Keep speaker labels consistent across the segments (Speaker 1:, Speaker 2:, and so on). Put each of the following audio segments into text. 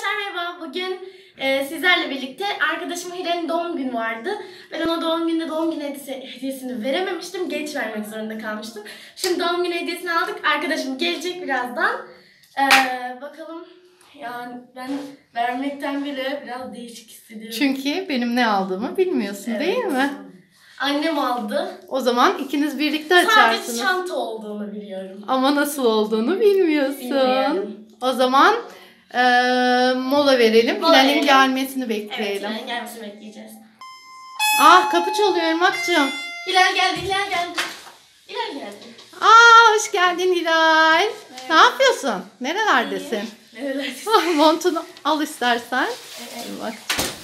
Speaker 1: Arkadaşlar merhaba. Bugün sizlerle birlikte arkadaşım Hilal'in doğum günü vardı. Ben ona doğum günü hediyesini verememiştim. Geç vermek zorunda kalmıştım. Şimdi doğum günü hediyesini aldık. Arkadaşım gelecek birazdan. Bakalım. Yani ben vermekten bile biraz değişik hissediyorum.
Speaker 2: Çünkü benim ne aldığımı bilmiyorsun, evet, değil mi?
Speaker 1: Annem aldı.
Speaker 2: O zaman ikiniz birlikte açarsınız.
Speaker 1: Sadece çanta olduğunu biliyorum.
Speaker 2: Ama nasıl olduğunu bilmiyorsun.
Speaker 1: Bilmiyorum.
Speaker 2: O zaman mola verelim. Hilal'in gelmesini bekleyelim.
Speaker 1: Evet, Hilal'in gelmesini bekleyeceğiz.
Speaker 2: Ah, kapı çalıyor Irmak'cığım.
Speaker 1: Hilal geldi. Hilal geldi.
Speaker 2: Hoş geldin Hilal. Evet. Ne yapıyorsun? Nerelerdesin? Nerelerdesin? Montunu al istersen. Evet. Bak.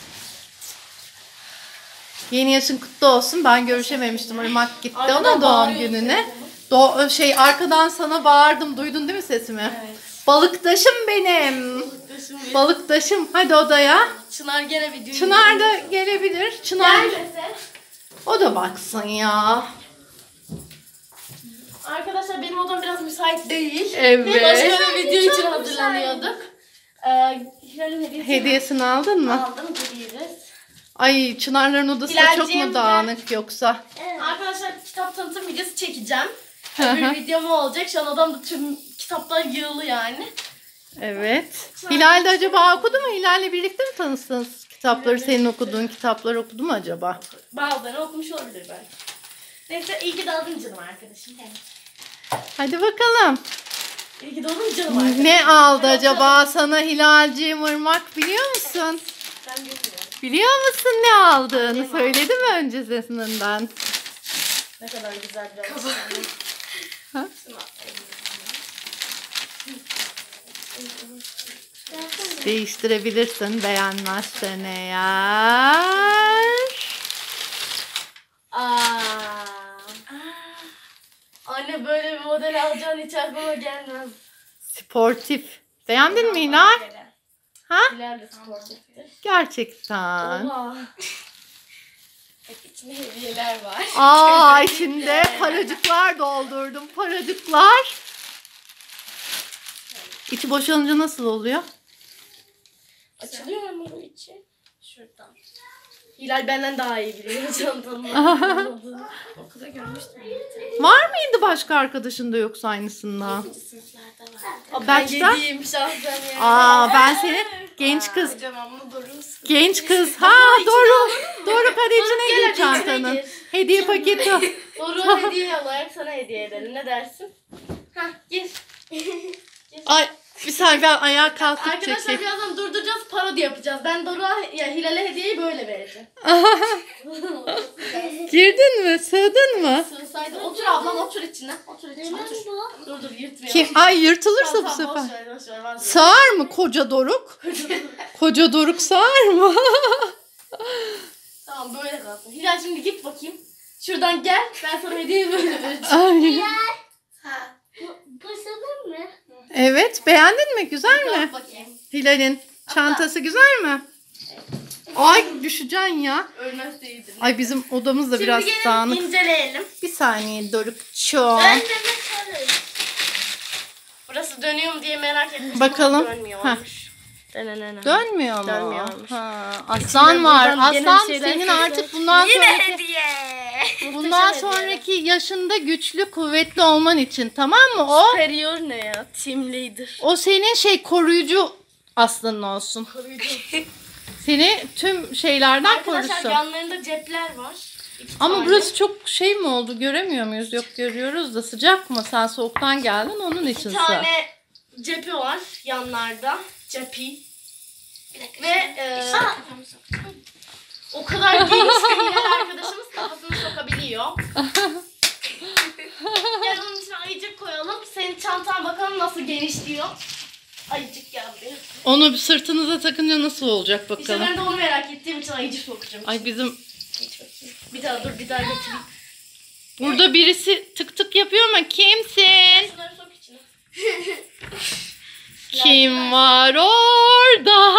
Speaker 2: Yeni yaşın kutlu olsun. Ben görüşememiştim. Irmak gitti ama doğum gününe. Arkadan sana bağırdım. Duydun değil mi sesimi? Evet. Balıktaşım benim. Balıktaşım. Hadi odaya.
Speaker 1: Çınar gene bir düğün.
Speaker 2: Çınar da gelebilir. Çınar.
Speaker 1: Gelmese.
Speaker 2: O da baksın ya.
Speaker 1: Arkadaşlar benim odam biraz müsait değil.
Speaker 2: Evet.
Speaker 1: Başka bir video için hazırlanıyorduk. Hilal'in
Speaker 2: hediyesini aldın mı?
Speaker 1: Aldım, gidiyoruz.
Speaker 2: Ay, Çınarların odası da çok mu dağınık yoksa?
Speaker 1: Evet. Arkadaşlar kitap tanıtım videosu çekeceğim. Bir videom olacak. Şu an odamda tüm kitaplar yığılı yani.
Speaker 2: Evet. Hilal de acaba okudu mu? Hilal'le birlikte mi tanıştınız? Kitapları, evet, senin okuduğun kitapları okudu mu acaba?
Speaker 1: Bazılarını okumuş olabilir belki. Neyse, iyi ki doğdun canım arkadaşım.
Speaker 2: Hadi bakalım.
Speaker 1: İyi ki doğdun canım arkadaşım.
Speaker 2: Ne aldı acaba sana Hilal'ciğim, Irmak, biliyor musun?
Speaker 1: Ben bilmiyorum.
Speaker 2: Biliyor musun ne aldığını? Söyledi mi öncesinden?
Speaker 1: Ne kadar güzel bir alışkanlık.
Speaker 2: Değiştirebilirsin beğenmezsen eğer.
Speaker 1: Anne, böyle bir model alacağın hiç aklıma gelmez.
Speaker 2: Sportif. Beğendin mi Hilal? Ha?
Speaker 1: Hilal de sportiftir.
Speaker 2: Gerçekten.
Speaker 1: Oha. İçinde hediyeler var.
Speaker 2: İçinde paracıklar doldurdum. Paracıklar. İçi boşalınca nasıl oluyor?
Speaker 1: Açılıyor mu bu içi? Şuradan. Hilal benden daha iyi biliyor çantanın. Okulda görmüştüm.
Speaker 2: Var mıydı başka arkadaşın da yoksa aynısından?
Speaker 1: Ben yediğim şahsen yani.
Speaker 2: Ben senin genç kız. Genç kız. Doruk hadi içine gir çantanın. Hediye paketi.
Speaker 1: Doruk hediye olarak sana hediye edelim. Ne dersin? Gir.
Speaker 2: Ay, bir saniye, ben ayağa kalkıp
Speaker 1: arkadaşlar
Speaker 2: çekeyim.
Speaker 1: birazdan durduracağız, parodi yapacağız. Ben Doruk'a, Hilal'e hediyeyi böyle vereceğim.
Speaker 2: Girdin mi? Sığdın mı?
Speaker 1: Sığsaydı. Otur ablam, otur içine. Otur. Dur yırtmayalım.
Speaker 2: Ay, yırtılırsa bu sefer.
Speaker 1: Boş ver.
Speaker 2: Sığar mı koca Doruk? Koca Doruk sığar mı?
Speaker 1: Tamam, böyle kalsın. Hilal, şimdi git bakayım. Şuradan gel. Ben sana hediyeyi böyle vereceğim.
Speaker 2: Hilal.
Speaker 1: Bu sanır mı?
Speaker 2: Evet. Beğendin mi? Güzel mi?
Speaker 1: Bakayım.
Speaker 2: Hilal'in çantası güzel mi? Ay, düşeceksin ya.
Speaker 1: Ölmez değildir.
Speaker 2: Ay, bizim odamız da biraz dağınık.
Speaker 1: Şimdi inceleyelim.
Speaker 2: Bir saniye Doruk'cuğum.
Speaker 1: Burası dönüyor mu diye merak etmiştim.
Speaker 2: Bakalım.
Speaker 1: Dönmüyormuş.
Speaker 2: Dönmüyor mu?
Speaker 1: Dönmüyormuş.
Speaker 2: Aslan var. Aslan senin artık bundan sonraki yaşında güçlü, kuvvetli olman için, tamam mı o?
Speaker 1: Superior ne ya? Team leader.
Speaker 2: O senin koruyucu aslanın olsun.
Speaker 1: Koruyucu.
Speaker 2: Seni tüm şeylerden
Speaker 1: korusun.
Speaker 2: korusun.
Speaker 1: Yanlarında cepler var.
Speaker 2: Ama burası çok mi oldu? Göremiyor muyuz? Yok, görüyoruz da sıcak mı? Sen soğuktan geldin, onun için.
Speaker 1: 2 tane cepi var yanlarda. Cepi. Ve o kadar geniş ki Hilal arkadaşımız kafasını sokabiliyor. Gel onun içine ayıcık koyalım. Senin çantan bakalım nasıl geniş diyor. Ayıcık geldi.
Speaker 2: Onu sırtınıza takınca nasıl olacak bakalım.
Speaker 1: İşte ben de onu merak ettiğim için ayıcık sokacağım.
Speaker 2: Ay, bizim...
Speaker 1: Bir daha getireyim.
Speaker 2: Burada birisi tık tık yapıyor ama kimsin?
Speaker 1: Şunları sok içine.
Speaker 2: Kim var orada?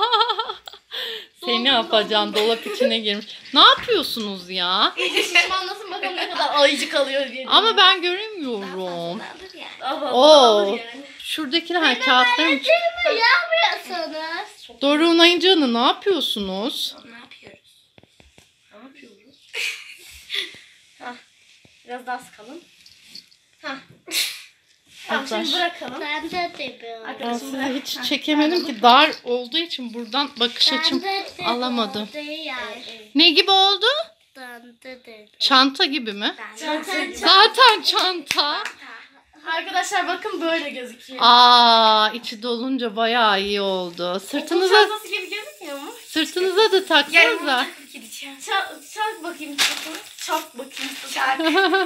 Speaker 2: Seni yapacaksın, dolap içine girmiş. Ne yapıyorsunuz ya?
Speaker 1: İyice şişmanlasın bakalım ne kadar ayıcık alıyor diye.
Speaker 2: Ama ben göremiyorum.
Speaker 1: Oo.
Speaker 2: Şuradakiler kağıtları mı?
Speaker 1: Yapmıyorsunuz.
Speaker 2: Doruk'un ayıcığını ne yapıyorsunuz?
Speaker 3: Ne yapıyoruz?
Speaker 1: Ne yapıyoruz? Hah. Biraz daha sıkalım. Hah. Tamam şimdi
Speaker 2: Arkadaş.
Speaker 1: bırakalım.
Speaker 3: Ben de yapıyorum.
Speaker 2: Ben
Speaker 1: Arkadaşım
Speaker 2: size
Speaker 1: bırak.
Speaker 2: hiç
Speaker 1: Hah.
Speaker 2: çekemedim ki dar olduğu için buradan bakış açım alamadım. Ne gibi oldu? Çanta gibi mi? Zaten çanta.
Speaker 1: Arkadaşlar bakın böyle gözüküyor.
Speaker 2: Aa, içi dolunca bayağı iyi oldu.
Speaker 1: Okul
Speaker 2: Sırtınıza
Speaker 1: çantası gibi gözükmüyor mu?
Speaker 2: sırtınıza da taksanıza.
Speaker 1: Çak bakayım sırtını. Çak bakayım sırtını.
Speaker 3: Çak.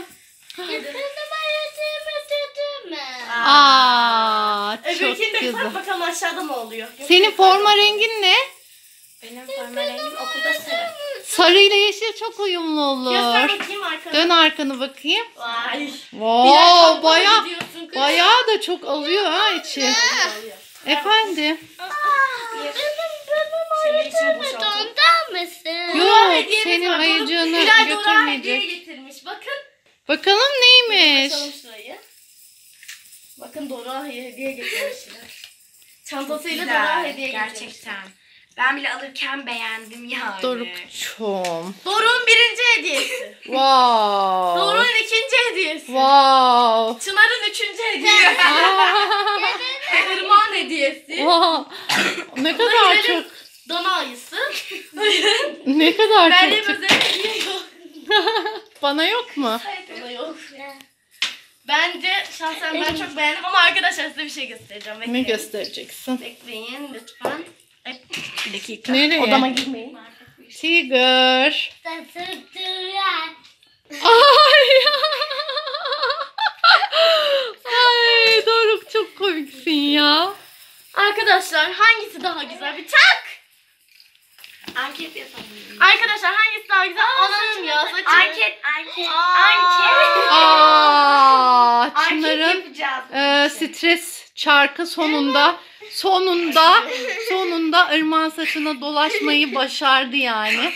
Speaker 2: Aa, çok
Speaker 1: Öbürkini de
Speaker 2: güzel.
Speaker 1: tak bakalım aşağıda mı oluyor?
Speaker 2: Senin forma rengin ne?
Speaker 3: Benim forma rengim okulda sarı.
Speaker 2: Sarı ile yeşil çok uyumlu
Speaker 1: Göster
Speaker 2: olur.
Speaker 1: bakayım arkana.
Speaker 2: Dön arkanı bakayım.
Speaker 1: Vay.
Speaker 2: Wow, bayağı
Speaker 1: gidiyorsun kız.
Speaker 2: bayağı da çok alıyor ha içi. Efendim.
Speaker 1: Şimdi içini boşaltalım.
Speaker 3: Ondan mısın?
Speaker 2: Yok,
Speaker 1: Hediyemiz
Speaker 2: senin
Speaker 1: var.
Speaker 2: ayıcığını
Speaker 1: Hilal Dora hediye
Speaker 2: götürmeyecek.
Speaker 1: getirmiş. Bakın.
Speaker 2: Bakalım neymiş?
Speaker 1: Açalım şurayı. Bakın Dora hediye getirmişler. Çantasıyla Dora hediye getirmiş.
Speaker 3: Gerçekten. Ben bile alırken beğendim yani.
Speaker 2: Dorukçum.
Speaker 1: Doruk'un birinci hediyesi.
Speaker 2: Wow.
Speaker 1: Doruk'un ikinci hediyesi.
Speaker 2: Wow.
Speaker 1: Çınar'ın üçüncü hediyesi. Irmak'ın hediyesi.
Speaker 2: Wow. Ne kadar çok
Speaker 1: Dana ayısı.
Speaker 2: ne kadar
Speaker 1: Meryem
Speaker 2: çok.
Speaker 1: özel hediye yok.
Speaker 2: Bana yok mu?
Speaker 1: Dana yok. Bence şahsen ben çok beğendim ama arkadaşlar size bir şey göstereceğim.
Speaker 2: Ne
Speaker 1: Bekleyin.
Speaker 2: göstereceksin?
Speaker 1: Bekleyin lütfen. Bir dakika.
Speaker 2: Nereye?
Speaker 1: Odama girmeyin.
Speaker 2: Tiger. Ay. Ay Doruk çok komiksin ya.
Speaker 1: Arkadaşlar hangisi daha güzel? Bir çak.
Speaker 3: Anket yapalım.
Speaker 1: Arkadaşlar hangisi daha güzel? Anam ya saçım.
Speaker 3: Anket.
Speaker 2: Aa,
Speaker 3: Anket
Speaker 2: Çınar'ın
Speaker 3: yapacağız.
Speaker 2: stres çarkı sonunda Irmak'ın saçına dolaşmayı başardı yani.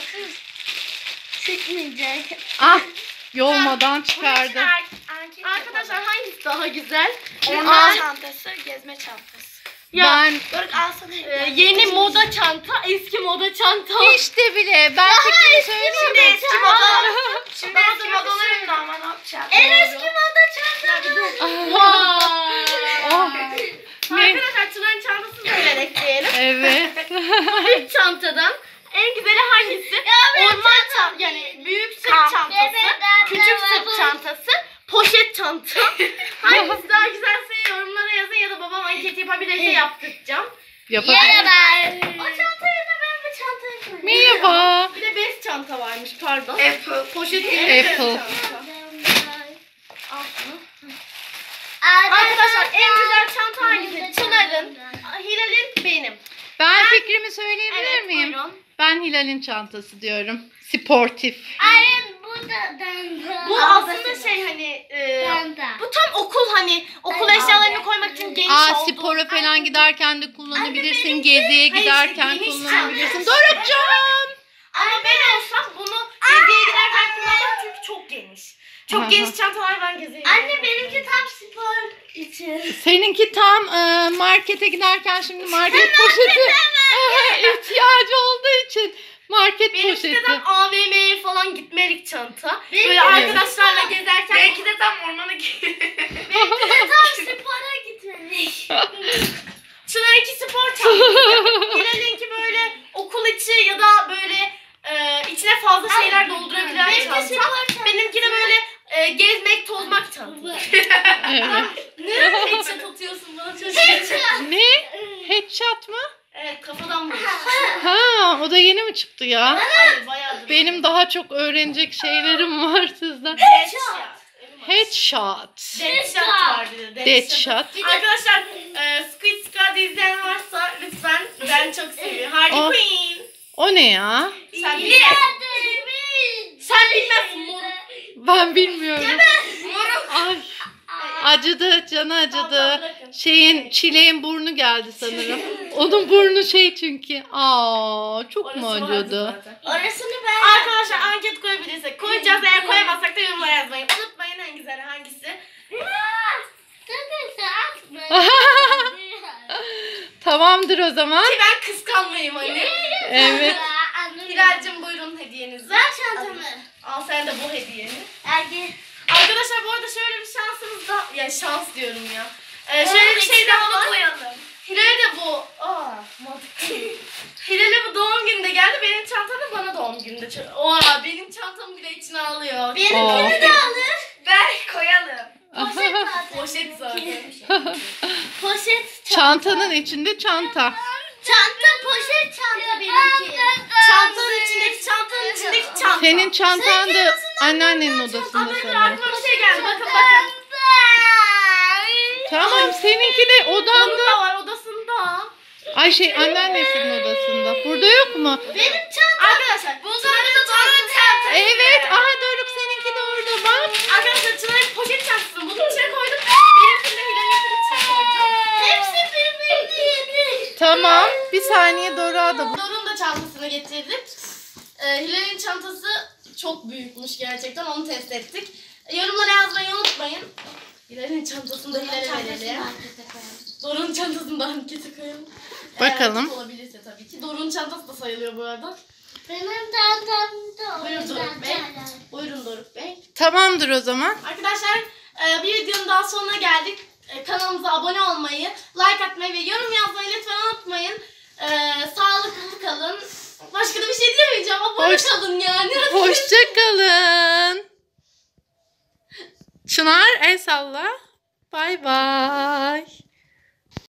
Speaker 3: Çıkmayacak.
Speaker 2: Ah, yolmadan çıkardı.
Speaker 1: Arkadaşlar hangisi daha güzel?
Speaker 3: Orman çantası, gezme çantası.
Speaker 1: Ya
Speaker 2: Ben
Speaker 3: Doruk alsana.
Speaker 1: yeni moda çanta, eski moda çanta.
Speaker 2: işte bile ben fikrimi söyleyeyim mi?
Speaker 3: Eski moda. Şimdi eski modalarım da ama ne yapacağız? En eski moda çantası.
Speaker 1: Vay.
Speaker 2: Oh, ne?
Speaker 1: Arkadaşlar Çınar'ın çantasını da böyle ekleyelim.
Speaker 2: Evet.
Speaker 1: İlk çantadan en güzeli hangisi? Orman çantası, yani büyük sırt çantası, küçük sırt çantası, poşet çanta. Hangisi daha güzelse yorumlara yazın ya da babam anket yapabilirse yaptıracağım.
Speaker 2: Yapabilir.
Speaker 1: O çantayı da ben bu çantayı koyayım.
Speaker 2: Merhaba.
Speaker 1: Bir de bez çanta varmış pardon.
Speaker 3: Apple.
Speaker 1: Poşet değil. bez
Speaker 2: Apple.
Speaker 1: çanta. Al şunu. Arkadaşlar en güzel çanta hangisi? Çınar'ın, Hilal'in, benim.
Speaker 2: Ben fikrimi söyleyebilir
Speaker 1: Evet
Speaker 2: miyim?
Speaker 1: buyurun.
Speaker 2: Ben Hilal'in çantası diyorum. Sportif.
Speaker 1: Bu aslında şey hani bu tam okul hani okul eşyalarını koymak için geniş oldu.
Speaker 2: Spora falan giderken de kullanabilirsin.
Speaker 1: benimki-
Speaker 2: Geziye
Speaker 1: Hayır,
Speaker 2: giderken
Speaker 1: işte geniş
Speaker 2: kullanabilirsin.
Speaker 1: çanta.
Speaker 2: Dorukcuğum.
Speaker 1: Ama ben olsam bunu geziye giderken kullanmam çünkü çok geniş. Çok
Speaker 2: Aha.
Speaker 1: geniş çantalar ben geziye
Speaker 3: Anne benimki tam spor için.
Speaker 2: Seninki tam markete giderken şimdi market poşeti ihtiyacı olduğu için market
Speaker 1: Benimki
Speaker 2: poşeti.
Speaker 1: de tam AVM'ye falan gitmelik çanta.
Speaker 3: Benimki
Speaker 1: Böyle
Speaker 3: de
Speaker 1: arkadaşlarla gezerken
Speaker 3: Belki de tam ormana gidiyor.
Speaker 1: benimki de tam spora gitmelik. Şunlarınki spor çantası. Hilal'inki böyle okul içi ya da böyle içine fazla şeyler doldurabilen çanta. Benimki de böyle gezmek, tozmak çanta.
Speaker 2: Evet.
Speaker 1: Ne headshot atıyorsun bana çocuğa?
Speaker 2: Ne? Headshot mı?
Speaker 1: Evet kafadan vur.
Speaker 2: Ha, o da yeni mi çıktı ya?
Speaker 1: Hayır bayağıdır.
Speaker 2: Benim daha çok öğrenecek şeylerim var sizden.
Speaker 1: Headshot.
Speaker 2: Headshot.
Speaker 1: Deadshot var bir de.
Speaker 2: Deadshot.
Speaker 1: Arkadaşlar Squid Squad izleyen varsa lütfen ben çok seviyorum. Harley
Speaker 2: Oh.
Speaker 1: Quinn.
Speaker 2: O ne ya?
Speaker 1: Sen bilmezsin. Sen bilmezsin moruk.
Speaker 2: Ben bilmiyorum.
Speaker 1: Moruk.
Speaker 2: Ay. Acıdı, canı acıdı. Çileğin burnu geldi sanırım. Onun burnu şey çünkü. Aa, çok mu
Speaker 1: Orası vardı
Speaker 2: acıdı?
Speaker 1: zaten.
Speaker 3: Orasını ben
Speaker 1: Arkadaşlar anket koyabilirsek koyacağız. Eğer koyamazsak da yorumlara yazmayı unutmayın en güzeli hangisi.
Speaker 2: Tamamdır o zaman.
Speaker 1: Ki ben kıskanmayayım hani.
Speaker 2: Evet.
Speaker 1: Hilal'cim buyurun hediyenizi.
Speaker 3: Ver çantamı.
Speaker 1: Al sen de bu hediyeni.
Speaker 3: Ergi.
Speaker 1: Arkadaşlar bu arada şöyle bir şansımız da... Ya şans diyorum ya. Şöyle bir şey daha var.
Speaker 3: koyalım.
Speaker 1: Hilal'e de bu... mantıklı. Hilal'e bu doğum gününde geldi. Benim çantam da bana doğum gününde. Benim çantamı bile içine alıyor.
Speaker 3: Benimkini de alır. Ver koyalım.
Speaker 1: Poşet zaten.
Speaker 3: Poşet.
Speaker 2: Çantanın içinde çanta.
Speaker 3: Çanta poşet çanta benimki.
Speaker 1: Çantanın içindeki çanta.
Speaker 2: Senin çantan da anneannenin odasında
Speaker 1: Ama
Speaker 2: sanırım.
Speaker 1: aklıma bir şey geldi. Bakın.
Speaker 2: Tamam, seninki de odanda.
Speaker 1: Odasında var odasında.
Speaker 2: Ay anneannesinin odasında. Burada yok mu?
Speaker 3: Benim çantam.
Speaker 1: Arkadaşlar
Speaker 3: Bunların çanta.
Speaker 2: Evet. Aha Doruk, seninki de orada bak.
Speaker 1: Arkadaşlar Çınar'ın poşet çantasını bunun içine koydum. Benimkini de Hilal'inkini içine koyacağım.
Speaker 3: Hepsi birbirini yedi.
Speaker 2: Tamam. Bir saniye Doruk'a da bu.
Speaker 1: Doruk'un da çantasını getirdik. Hilal'in çantası çok büyükmüş gerçekten. Onu test ettik. Yorumlara yazmayı unutmayın. Hilal'in çantasını da Hilal'e verelim. Doruk'un çantasını da ankete koyalım.
Speaker 2: Bakalım.
Speaker 1: Eğer olabilirse tabii ki. Doruk'un çantası da sayılıyor bu arada.
Speaker 3: Benim çantamda
Speaker 1: Buyurun Doruk Bey. Buyurun Doruk Bey.
Speaker 2: Tamamdır o zaman.
Speaker 1: Arkadaşlar bir videonun daha sonuna geldik. Kanalımıza abone olmayı, like atmayı ve yorum yazmayı lütfen unutmayın. Sağlıklı kalın. Başka da bir şey diyemeyeceğim. Abone kalın yani.
Speaker 2: Hoşça kalın. Çınar el salla. Bay bay.